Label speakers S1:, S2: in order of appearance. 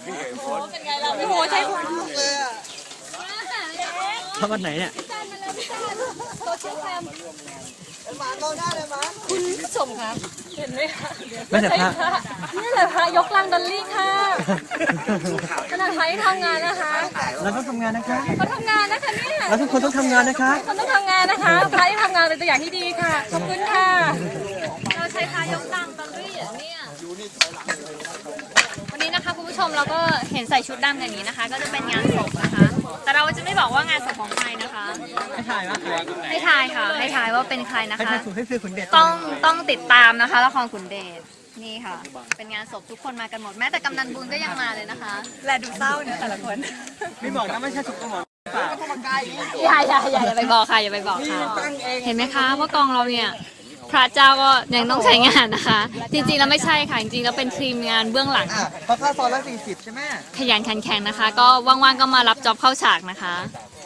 S1: เป็นไงเราโอ้โหใช่คนลุกเลยอ่ะ
S2: ทำวันไหนเนี่ย
S1: โซเชียลแคมหมาโตหน้าเลยหมาคุณผู้ชมคะเห็นไหมคะ
S2: ไม่แต่พระ
S1: นี่แหละพระยกลังดอลลี่ค่ะขนาดพระที่ทำงานนะคะ
S2: เราต้องทำงานนะคะ
S1: เขาทำงานนะคะเนี่ย
S2: เราทุกคนต้องทำงานนะคะ
S1: คนต้องทำงานนะคะพระที่ทำงานเป็นตัวอย่างที่ดีค่ะขอบคุณค่ะเราใช้พระยกลังดอลลี่อย่างเนี่ยวันนี้นะคะคุณผู้ชมเราก็เห็นใส่ชุดดำอย่างนี้นะคะ ก็จะเป็นงานศพนะคะ แต่เราจะไม่บอกว่างานศพของใครนะคะ
S2: ให้ถ่ายว่าใคร
S1: ให้ทายค่ะให้ทายว่าเป็นใครนะ
S2: ให้
S1: คะ
S2: ถ่ายถูกให้ซื้อขุนเดช
S1: ต้องติดตามนะคะละครขุนเดชนี่ค่ะ เป็นงานศพทุกคนมากันหมดแม้แต่กำนันบุญก็ยังมาเลยนะคะและดูเศร้าเนี่ยแต่ละคน
S2: ไม่บอกนะไม่ใช่ถูกกระหม่อม
S1: อย่าไปบอกค่ะอย่าไปบอกค่ะเห็นไหมคะว่ากองเราเนี่ยพระเจ้าก็ยังต้องใช้งานนะคะ จริงๆแล้วไม่ใช่ค่ะจริงๆแล้วเป็นทีมงานเบื้องหลัง
S2: เพราะค่าซอยละ40ใช่ไหม
S1: ขยันขันแข็งนะคะ ก็ว่างๆก็มารับจ็อบเข้าฉากนะคะ